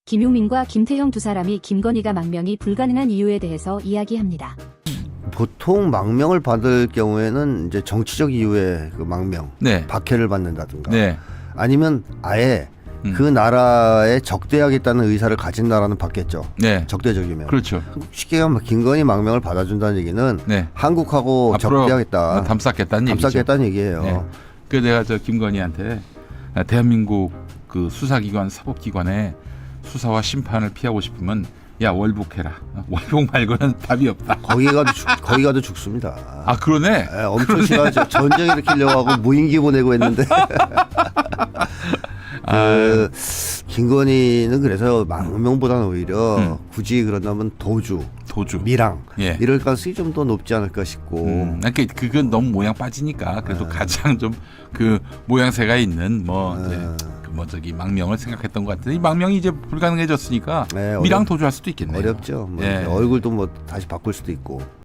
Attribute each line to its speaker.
Speaker 1: 김용민과 김태형 두 사람이 김건희가 망명이 불가능한 이유에 대해서 이야기합니다.
Speaker 2: 보통 망명을 받을 경우에는 이제 정치적 이유의 그 망명,
Speaker 3: 네.
Speaker 2: 박해를 받는다든가,
Speaker 3: 네.
Speaker 2: 아니면 아예 그 나라에 적대하겠다는 의사를 가진 나라는 받겠죠.
Speaker 3: 네.
Speaker 2: 적대적이면.
Speaker 3: 그렇죠.
Speaker 2: 쉽게 하면 김건희 망명을 받아준다는 얘기는
Speaker 3: 네.
Speaker 2: 한국하고
Speaker 3: 앞으로
Speaker 2: 적대하겠다,
Speaker 3: 담쌓겠다는 얘기죠.
Speaker 2: 담쌓겠다는 얘기예요.
Speaker 3: 네. 그 내가 저 김건희한테 대한민국 그 수사기관, 사법기관에 수사와 심판을 피하고 싶으면 야 월북해라. 월북 말고는 답이 없다.
Speaker 2: 거기 가도 죽습니다.
Speaker 3: 아 그러네.
Speaker 2: 네, 엄청 심하죠. 전쟁 일으키려고 하고 무인기 보내고 했는데. 김건희는 그래서 망명보다는 오히려 굳이 그런다면 도주, 밀항
Speaker 3: 예.
Speaker 2: 이럴 가능성이 좀 더 높지 않을까 싶고.
Speaker 3: 그러니까 그건 너무 모양 빠지니까 그래도 가장 좀 그 모양새가 있는 저기 망명을 생각했던 것 같은데 이 망명이 이제 불가능해졌으니까
Speaker 2: 네,
Speaker 3: 밀항 도주할 수도 있겠네요.
Speaker 2: 어렵죠. 뭐
Speaker 3: 예.
Speaker 2: 얼굴도 뭐 다시 바꿀 수도 있고.